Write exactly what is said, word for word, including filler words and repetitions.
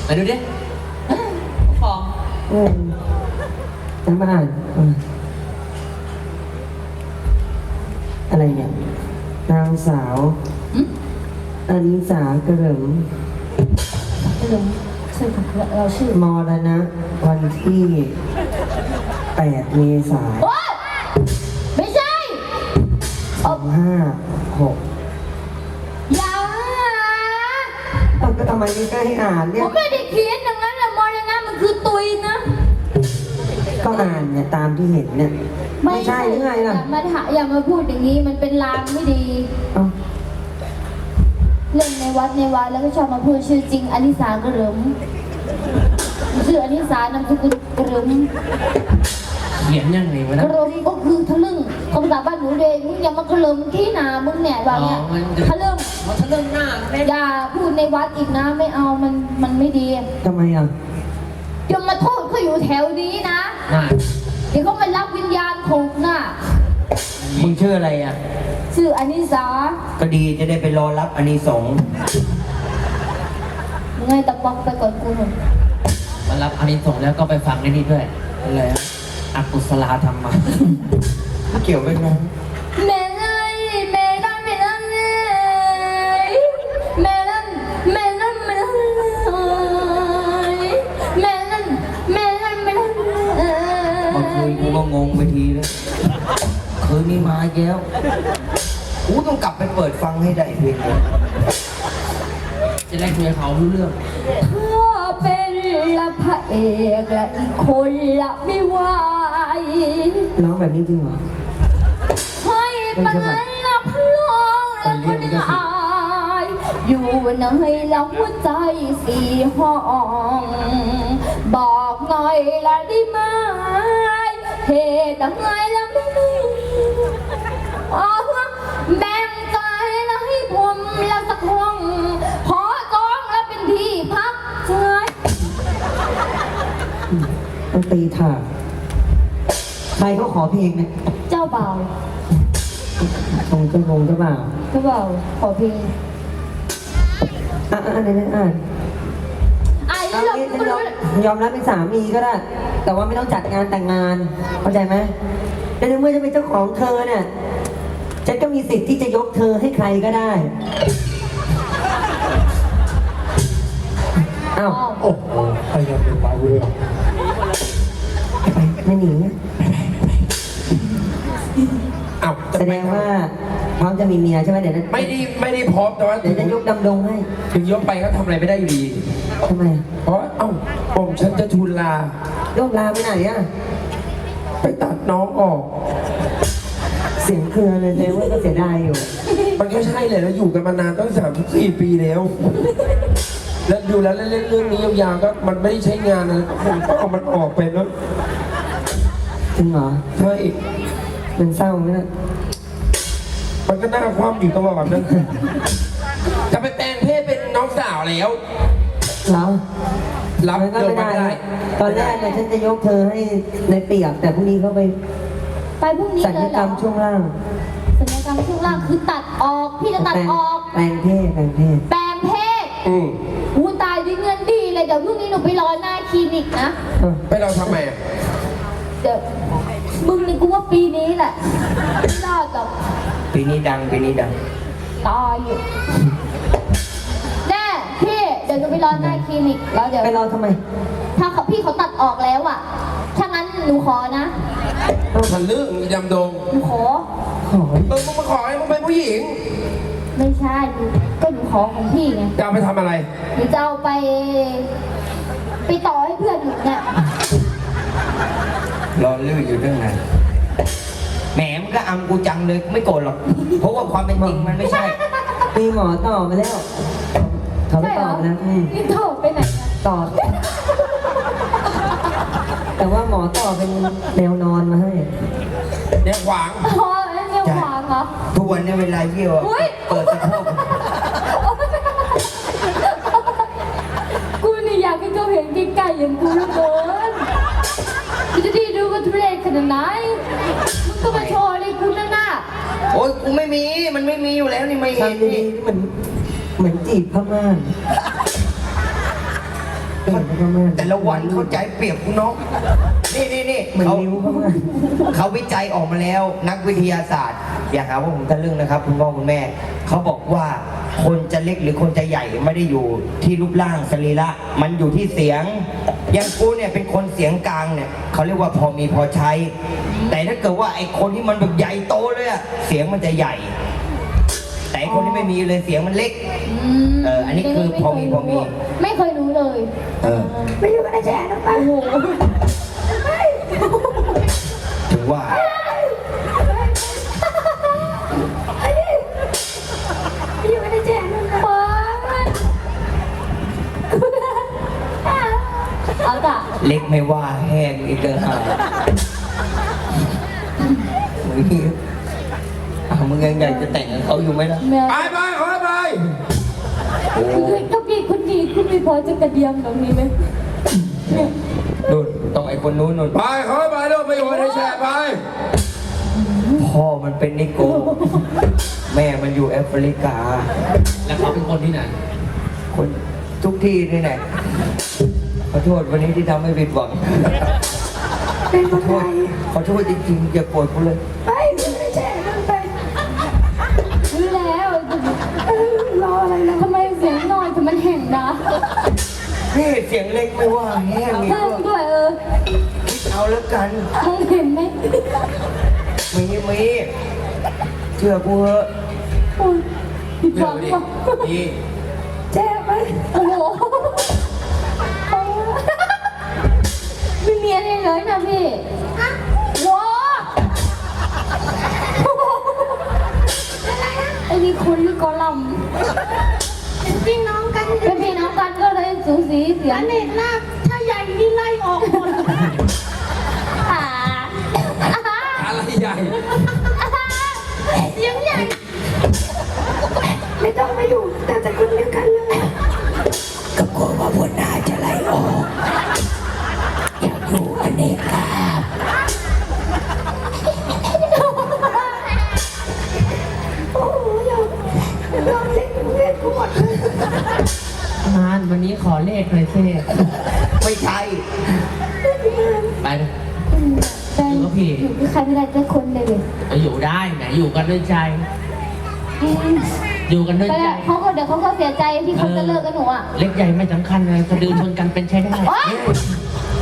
มาดูดิฟองเออจะมาอ่านอะไรเนี่ยนางสาวอนิสากระเหลิมกระเหลิมชื่อเราชื่อมรณะวันที่แปดเมษายนไม่ใช่สองห้าหกอย่าต้องก็ทำไมไม่ได้ให้อ่านเนี่ผยมไม่ได้เขียนอย่างนั้นแหละมรณะมันคือตุยนะก็อ่านเนี่ยตามที่เห็นเนี่ยไม่ใช่หรือไงล่ะอย่ามาถาอย่ามาพูดอย่างนี้มันเป็นลางไม่ดีเล่นในวัดในวัดแล้วก็ชอบมาพูดชื่อจริงอนิสากระเหลิมชื่ออนิสานามสกุลกระเหลิมเขียนยังไงวะกนะระเหลิมก็คือทะลึ่งคำภาษาบ้านหนูเดงมึงอย่ามากระเหลิมที่หนามึงเนี่ยแบบเนี้ยทะลึ่งมันทะลึ่งหน้าอย่าพูดในวัดอีกนะไม่เอามันมันไม่ดีทำไมอ่ะยมมาโทษเขาอยู่แถวนี้นะเดี๋ยวเขามารับวิญญาณถูกน่ะมึงชื่ออะไรอ่ะชื่ออนิสาก็ดีจะได้ไปรอรับอานิสงส์มึงไงตะปอกไปก่อนกูหนุ่มมารับอานิสงส์แล้วก็ไปฟังในนี้ด้วยอะไรอะอกุศลธรรมมาเกี่ยวไหมน้องแม่เลยแม่ดันแม่ดันเลยแม่ดันแม่ดันแม่ดันเลยแม่ดันแม่ดันแม่ดันเมื่อคืนกูก็งงไปทีแล้วคืนนี้มาแย้วกูต้องกลับไปเปิดฟังให้ได้เพลงเลยจะได้คุยกับเขารู้เรื่องถ้าเป็นละพระเอกและอีกคนละไม่ไหวร้องแบบนี้จริงเหรอให้มันละพลองและคนอายอยู่ในลำหัวใจสี่ห้องบอกหน่อยละได้ไหมเหตุใดละไม่มีแบ่งใจละให้ผมละสักห้องขอจองละเป็นที่พักใจต้องตีถาใครเขาขอเพลงเนี่ยเจ้าเบาตรงเจ้าพงเจ้าบ่าวเจ้าเบาขอเพลงอ่ะอ่ะอ่านอ่านอ่านไอ้เรายอมรับเป็นสามีก็ได้แต่ว่าไม่ต้องจัดงานแต่งงานเข้าใจไหมแต่ในเมื่อจะเป็นเจ้าของเธอเนี่ยฉันก็มีสิทธิ์ที่จะยกเธอให้ใครก็ได้อ้าวโอ้โหใครยังเป็นไปเรือไม่หนีอ้าวแสดงว่าพร้อมจะมีเมียใช่ไหมเดี๋ยวนั้นไม่ได้ไม่ได้พร้อมแต่ว่าเดี๋ยวจะยกดำดงให้ถึงยกไปก็ทำอะไรไม่ได้อยู่ดีทำไมเพราะเอ้าผมฉันจะทูลลาโยกลาไปไหนอ่ะไปตัดน้องออกเสียงเครือเลยเลยว่าก็เสียดายอยู่มันก็ใช่เลยเราอยู่กันมานานตั้งสามสิบสี่ปีแล้วแล้วดูแล้วเล่นเรื่องนี้ยาวๆก็มันไม่ได้ใช้งานนะผมก็เอามันออกไปแล้วจริงเหรอใช่มันเศร้าไหมล่ะมันก็น่าคว่ำอยู่ตลอดนั่นจะไปแปลงเพศเป็นน้องสาวแล้วเหรอรับก็ไม่ได้ตอนแรกเนี่ยฉันจะยกเธอให้ในเปียกแต่พรุ่งนี้เขาไปไปพรุ่งนี้เลยเหรอสัญญกรรมช่วงล่างสัญญกรรมช่วงล่างคือตัดออกพี่จะตัดออกแปลงเพศแปลงเพศแปลงเพศอืมหูตายด้วยเงินดีเลยเดี๋ยวพรุ่งนี้หนูไปรอหน้าคลินิกนะไปเราทำไมเดี๋ยวมึงนี่กูว่าปีนี้แหละไม่รอดหรอกปีนี้ดังปีนี้ดังตายอยู่แน่พี่เดี๋ยวหนูไปรอหน้าคลินิกแล้วเดี๋ยวไปรอทำไมถ้าเขาพี่เขาตัดออกแล้วอ่ะถ้างั้นหนูขอนะมันเรื่องยำดงหนูขอขอเออมึงมาขอให้มึงเป็นผู้หญิงไม่ใช่ก็หนูขอของพี่ไงจะเอาไปทำอะไรหนูจะเอาไปไปต่อให้เพื่อนหนูเนี่ยรอลื่นอยู่ตั้งนานแหมมันก็อำกูจังเลยไม่โกรธหรอกเพราะว่าความเป็นจริงมันไม่ใช่มีหมอต่อมาแล้วเขาไม่ต่อแล้วนี่ต่อไปไหนต่อแต่ว่าหมอต่อเป็นแนวนอนมาให้แนวขวางอ๋อแนวขวางเหรอทุกวันนี้เวลาเยี่ยวเปิดสะโพกกูนี่อยากให้เขาเห็นใกล้ๆอย่างกูแล้วเกินจะดีดูกันทุเรศขนาดไหนมึงก็มาโชว์เลยกูนั่นน่ะโอ๊ยกูไม่มีมันไม่มีอยู่แล้วนี่ไม่เห็นนี่มันเหมือนจีบพม่าแต่ละวันเข้าใจเปรียบคุณน้อง นี่นี่นี่เหมือนเขานิ้วเขาอะเขาวิจัยออกมาแล้ว นักวิทยาศาสตร์ อย่าหาว่าผมทะลึ่งนะครับ คุณพ่อคุณแม่ เขาบอกว่าคนจะเล็กหรือคนจะใหญ่ไม่ได้อยู่ที่รูปร่างสรีระมันอยู่ที่เสียง อย่างกูเนี่ยเป็นคนเสียงกลางเนี่ยเขาเรียกว่าพอมีพอใช้ แต่ถ้าเกิดว่าไอ้คนที่มันแบบใหญ่โตเลยอะเสียงมันจะใหญ่ แต่ไอ้คนที่ไม่มีเลยเสียงมันเล็กมเอออันนี้คือพอมีพอมีไม่เคยรู้เลยเออไม่อยู่กันได้แช่นะป้าโอ้โหถึงว่าอยู่กันได้แช่นะป้าเอาจ้ะเล็กไม่ว่าแห้งอีกเด้อฮะมึงอ่ะมึงยังอยากจะแต่งกับเขาอยู่ไหมล่ะแม่ไปไปขอไปโอ้คือถ้าพี่คนดีคุณไม่พอจะกระเดียมแบบนี้ไหมเนี่ยนู่นต้องไอ้คนนู้นนู่นไปขอไปลูกไปอยู่ในแชร์ไปพ่อมันเป็นนิโก้แม่มันอยู่แอฟริกาแล้วเขาเป็นคนที่ไหนคนทุกที่นี่แหละขอโทษวันนี้ที่ทำให้ผิดหวังขอโทษขอโทษจริงๆอย่าโกรธกูเลยไปไม่แช่ไปรู้แล้วรออะไรล่ะทำไมเสียงน้อยแต่มันแห่งนะนี่เสียงเล็กไม่ว่าแห้งอีกเพิ่มด้วยเออเอาแล้วกันมองเห็นไหมมีมีเชื่อกูเถอะโอ้ยผิดหวังว่ะนี่แจ้ไปโอ้โหไม่มีอะไรเลยนะพี่ว้าไอ้นี่คุณนี่กอลัมเป็นพี่น้องกันเป็นพี่น้องกันก็เลยสูสีเสียงเน็ตลากถ้าใหญ่นี่ไล่ออกหมดอ่าอะไรใหญ่เสียงใหญ่ ไม่ต้องมาอยู่แต่แต่คนเดียวกันเลยก็กลัวว่าหัวหน้าจะไล่ออกอยากอยู่อเนกาโอ้โหยอมยอมเล่นเล่นกูหมดเลยมานวันนี้ขอเลขหน่อยสิไม่ใช่ไปได้อยู่กับใครไม่ได้แต่คนเลยเลยไปอยู่ได้แหมอยู่กันด้วยใจ อยู่กันด้วยไปใจแล้วเขาก็เดี๋ยวเขาก็เสียใจที่เขาจะเลิกกับหนูอ่ะเล็กใหญ่ไม่สำคัญเลยสะดือชนกันเป็นใช้ได้โอ๊ย